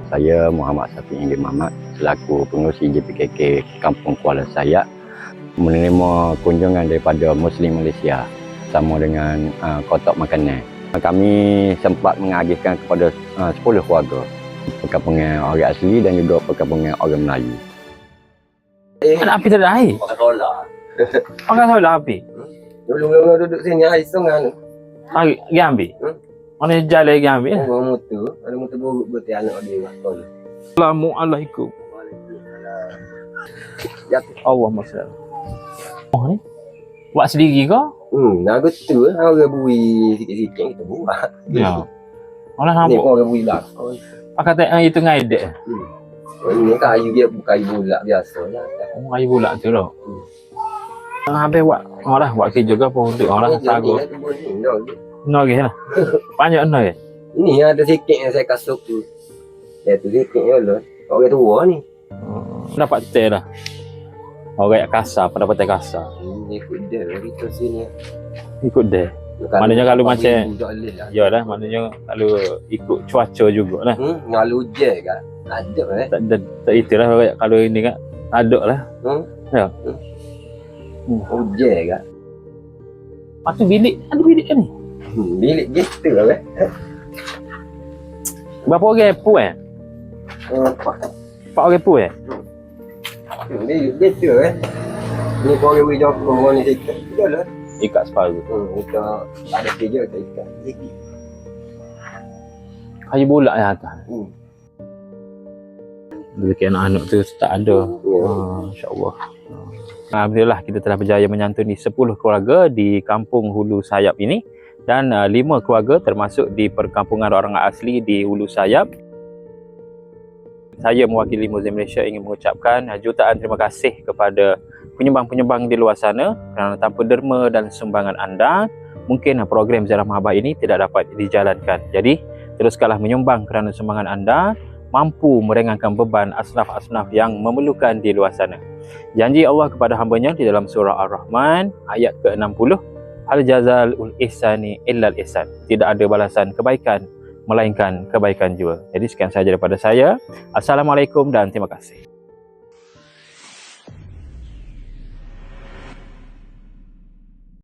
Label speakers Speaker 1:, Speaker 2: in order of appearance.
Speaker 1: Saya Muhammad Safiq Inggil Mamat selaku pengerusi JPKK Kampung Kuala Sayak menerima kunjungan daripada Muslim Malaysia sama dengan kotak makanan. Kami sempat mengagihkan kepada 10 keluarga perkampungan orang asli dan juga perkampungan orang Melayu.
Speaker 2: Anak api tak ada air?
Speaker 3: Pakai solar.
Speaker 2: Pakai solar api?
Speaker 3: Dulu duduk sini air sungai tu.
Speaker 2: Pergi ambil? Mana jalan lagi ambil?
Speaker 3: Orang motor. Ada motor buruk berarti anak dia sekolah.
Speaker 2: Assalamualaikum. Allahumma salli. Oh ni? Buat sendiri ke?
Speaker 3: Nak tu orang bui sikit-sikit kita buat.
Speaker 2: Ya. Orang
Speaker 3: Ni
Speaker 2: nampak.
Speaker 3: pun orang bui lah.
Speaker 2: Pakai tak itu ngaidek.
Speaker 3: Ini kayu dia bukan kayu bulat biasa lah.
Speaker 2: Oh, kayu bulat tu lah. Habis buat orang buat kerja ke apa untuk orang sagu. No lagi lah. Banyak no ya.
Speaker 3: Ini ada sikit yang saya kasut tu. Saya tu sikit je lah. Orang tua ni.
Speaker 2: Dapat teh dah. Orang yang kasar, pada teh kasar.
Speaker 3: Ini ikut dia kita sini.
Speaker 2: Ikut deh. Maknanya kalau macam ya lah, maknanya kalau ikut cuaca jugalah.
Speaker 3: Ngalu je kan. Ada
Speaker 2: Tak itulah kalau ini kan ada lah. Ya.
Speaker 3: Hujan kan.
Speaker 2: Lepas tu bilik, ada bilik kan ni?
Speaker 3: Bilik gitu lah kan.
Speaker 2: Berapa orang pu eh? 4 orang pu eh?
Speaker 3: Bilik gitu kan. Ni kau orang boleh jawab ni sikit. Betul lah.
Speaker 2: Ikat separuh.
Speaker 3: Kita ada kerja kita ikat sikit.
Speaker 2: Kayu bulat yang atas. Rezeki anak-anak tu tak ada. InsyaAllah. Alhamdulillah kita telah berjaya menyantuni 10 keluarga di kampung Hulu Sayap ini dan 5 keluarga termasuk di perkampungan orang asli di Hulu Sayap. Saya mewakili Muslim Malaysia ingin mengucapkan jutaan terima kasih kepada penyumbang-penyumbang di luar sana kerana tanpa derma dan sumbangan anda mungkin program Ziarah Mahabbah ini tidak dapat dijalankan. Jadi teruskanlah menyumbang kerana sumbangan anda mampu meringankan beban asnaf-asnaf yang memerlukan di luar sana. Janji Allah kepada hamba-Nya di dalam surah Ar-Rahman ayat ke-60, Hal jazalul ihsani illal ihsan. Tidak ada balasan kebaikan melainkan kebaikan jua. Jadi sekian sahaja daripada saya. Assalamualaikum dan terima kasih.